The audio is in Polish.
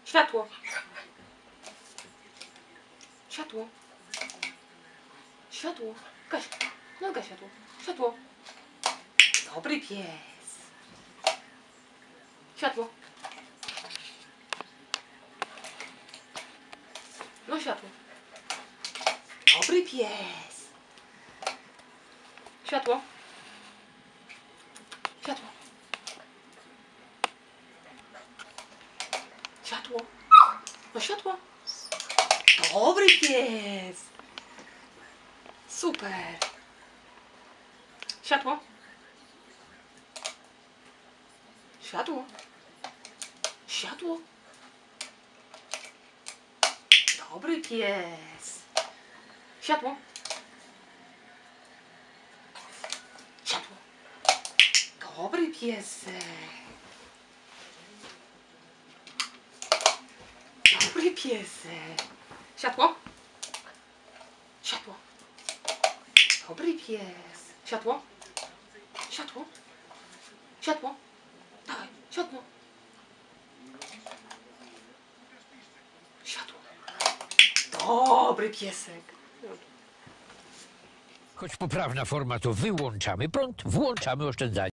Światło. Światło. Światło. Gaś. No gaś światło. Światło. Dobry pies. Światło. No światło. Dobry pies. Światło. Światło. Światło. No światło. Dobry pies. Super. Światło. Światło. Światło. Dobry pies. Światło. Światło. Dobry piesek. Dobry piesek. Światło. Światło. Dobry pies. Światło. Światło. Światło. Dawaj, światło. Światło. Dobry piesek. Choć poprawna forma to wyłączamy prąd, włączamy oszczędzanie.